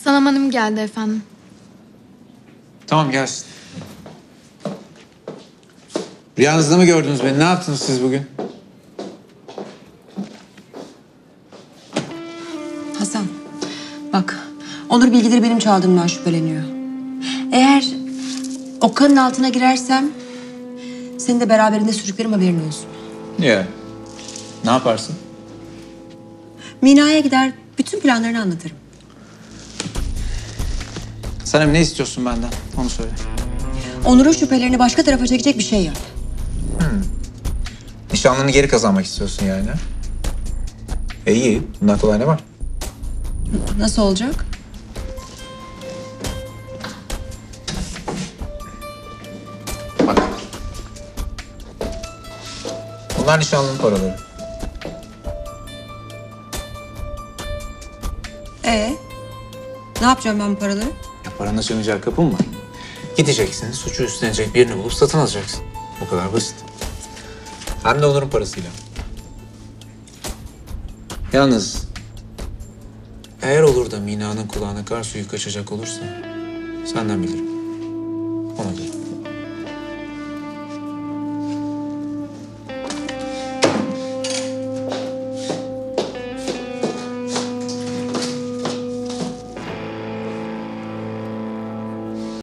Sanam Hanım geldi efendim. Tamam gelsin. Rüyanızda mı gördünüz beni? Ne yaptınız siz bugün? Hasan, bak Onur bilgileri benim çaldığımdan şüpheleniyor. Eğer Okan'ın altına girersem seni de beraberinde sürüklerim, haberin olsun. Ya. Ne yaparsın? Mina'ya gider bütün planlarını anlatırım. Sanem ne istiyorsun benden? Onu söyle. Onur'un şüphelerini başka tarafa çekecek bir şey yap. Nişanlını geri kazanmak istiyorsun yani. İyi. Bundan kolay ne var? Nasıl olacak? Bak. Bunlar nişanlının paraları. Ne yapacağım ben bu paraları? Ya paranın açamayacağı kapı mı var? Gideceksin, suçu üstlenecek birini bulup satın alacaksın. O kadar basit. Hem de Onur'un parasıyla. Yalnız eğer olur da Mina'nın kulağına kar suyu kaçacak olursa senden bilirim. Ona göre.